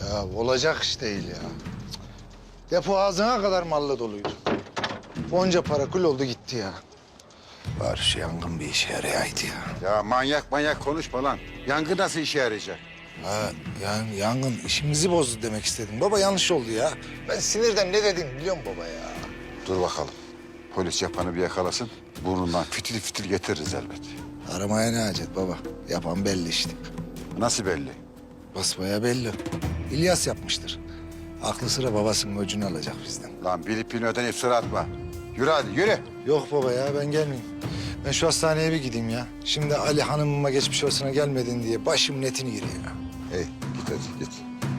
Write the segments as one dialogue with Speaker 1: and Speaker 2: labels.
Speaker 1: Ya olacak iş değil ya. Depo ağzına kadar malla doluydu. Onca para kul oldu gitti ya. Bari şu yangın bir işe yarayaydı ya.
Speaker 2: Ya manyak konuşma lan. Yangın nasıl işe yarayacak?
Speaker 1: Ha, yani yangın işimizi bozdu demek istedim. Baba yanlış oldu ya. Ben sinirden ne dedim biliyor musun baba ya?
Speaker 2: Dur bakalım. Polis yapanı bir yakalasın. Burnundan fitil fitil getiririz elbet.
Speaker 1: Aramaya ne hacet baba? Yapan belli işte.
Speaker 2: Nasıl belli?
Speaker 1: Basbaya belli. İlyas yapmıştır. Aklı sıra babasının öcünü alacak bizden.
Speaker 2: Lan bilip bilmeden iftira atma. Yürü hadi yürü.
Speaker 1: Yok baba ya ben gelmeyeyim. Ben şu hastaneye bir gideyim ya. Şimdi Ali hanımıma geçmiş olsuna gelmedin diye başım netini giriyor ya.
Speaker 2: Hey git hadi git.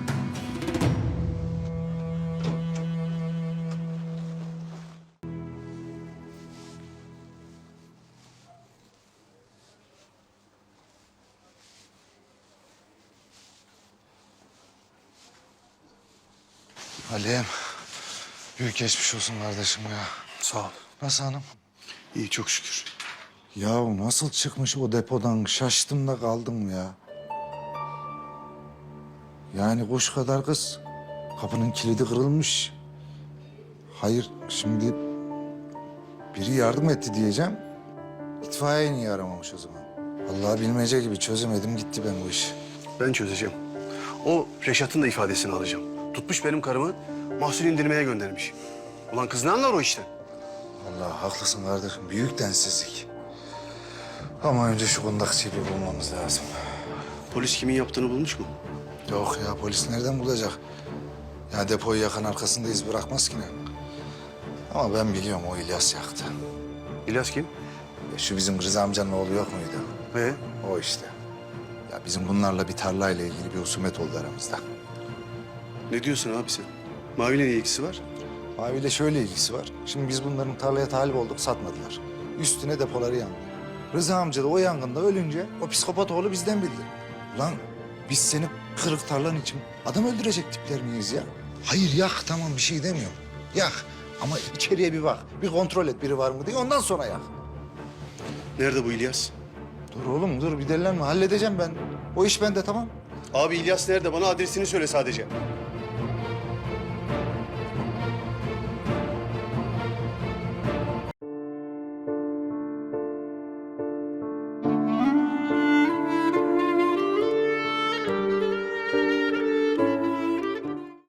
Speaker 1: Ali'm, büyük geçmiş olsun kardeşim ya.
Speaker 3: Sağ ol.
Speaker 1: Nasıl hanım?
Speaker 3: İyi çok şükür.
Speaker 1: Ya nasıl çıkmış o depodan şaştım da kaldım ya. Yani kuş kadar kız. Kapının kilidi kırılmış. Hayır şimdi biri yardım etti diyeceğim. İtfaiye niye aramamış o zaman? Vallahi bilmece gibi çözemedim gitti ben bu işi.
Speaker 3: Ben çözeceğim. O Reşat'ın da ifadesini alacağım. Tutmuş benim karımı mahsul indirmeye göndermiş. Ulan kız ne anlar o işten?
Speaker 1: Vallahi haklısın kardeşim. Büyük densizlik. Ama önce şu kundakçıyı bir bulmamız lazım.
Speaker 3: Polis kimin yaptığını bulmuş mu?
Speaker 1: Yok ya polis nereden bulacak? Ya depoyu yakan arkasında iz bırakmaz ki ne? Ama ben biliyorum o İlyas yaktı.
Speaker 3: İlyas kim?
Speaker 1: Şu bizim Rıza amcanın oğlu yok muydu? O işte. Ya bizim bunlarla bir tarlayla ilgili bir husumet oldu aramızda.
Speaker 3: Ne diyorsun abi sen? Mavi'yle ne ilgisi var?
Speaker 1: Mavi'yle şöyle ilgisi var. Şimdi biz bunların tarlaya talip olduk satmadılar. Üstüne depoları yandı. Rıza amca da o yangında ölünce o psikopat oğlu bizden bildi. Ulan biz seni kırık tarlan için adam öldürecek tipler miyiz ya? Hayır yak tamam bir şey demiyorum. Yak ama içeriye bir bak. Bir kontrol et biri var mı diye ondan sonra yak.
Speaker 3: Nerede bu İlyas?
Speaker 1: Dur oğlum dur bir delilenme halledeceğim ben. O iş bende tamam.
Speaker 3: Abi İlyas nerede? Bana adresini söyle sadece.